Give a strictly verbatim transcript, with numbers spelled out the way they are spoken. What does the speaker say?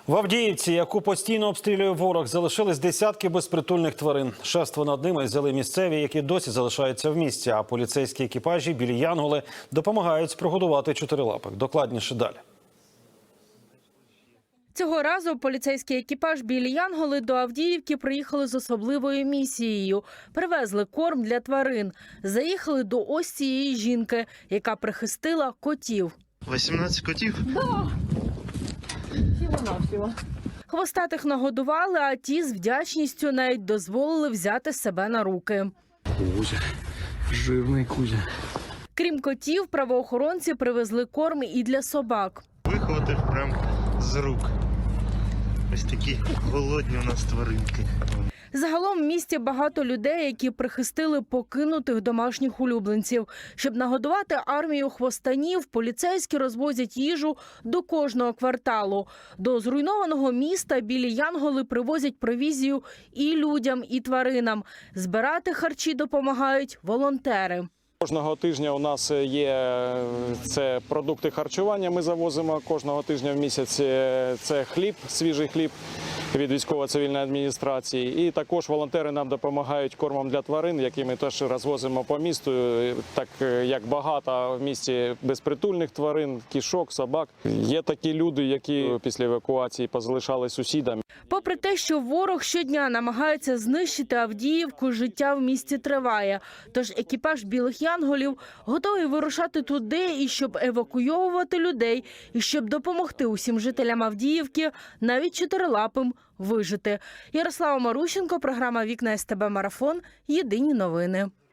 В Авдіївці, яку постійно обстрілює ворог, залишились десятки безпритульних тварин. Шефство над ними взяли місцеві, які досі залишаються в місті. А поліцейські екіпажі білі янголи допомагають прогодувати чотирилапих. Докладніше далі. Цього разу поліцейський екіпаж «Білі янголи» до Авдіївки приїхали з особливою місією. Привезли корм для тварин. Заїхали до ось цієї жінки, яка прихистила котів. вісімнадцять котів? Да. Всього-навсього. Хвостатих нагодували, а ті з вдячністю навіть дозволили взяти себе на руки. Кузя, жирний Кузя. Крім котів, правоохоронці привезли корм і для собак. Вихватив прям з рук. Ось такі голодні у нас тваринки. Загалом в місті багато людей, які прихистили покинутих домашніх улюбленців. Щоб нагодувати армію хвостанів, поліцейські розвозять їжу до кожного кварталу. До зруйнованого міста білі янголи привозять провізію і людям, і тваринам. Збирати харчі допомагають волонтери. Кожного тижня у нас є це продукти харчування, ми завозимо кожного тижня в місяць. Це хліб, свіжий хліб від військово-цивільної адміністрації. І також волонтери нам допомагають кормом для тварин, які ми теж розвозимо по місту, так як багато в місті безпритульних тварин, кішок, собак. Є такі люди, які після евакуації позалишали сусідам. Попри те, що ворог щодня намагається знищити Авдіївку, життя в місті триває. Тож екіпаж білих янголів готовий вирушати туди, і щоб евакуйовувати людей, і щоб допомогти усім жителям Авдіївки, навіть чотирилапим, вижити. Ярослава Марущенко, програма «Вікна ес те бе Марафон», єдині новини.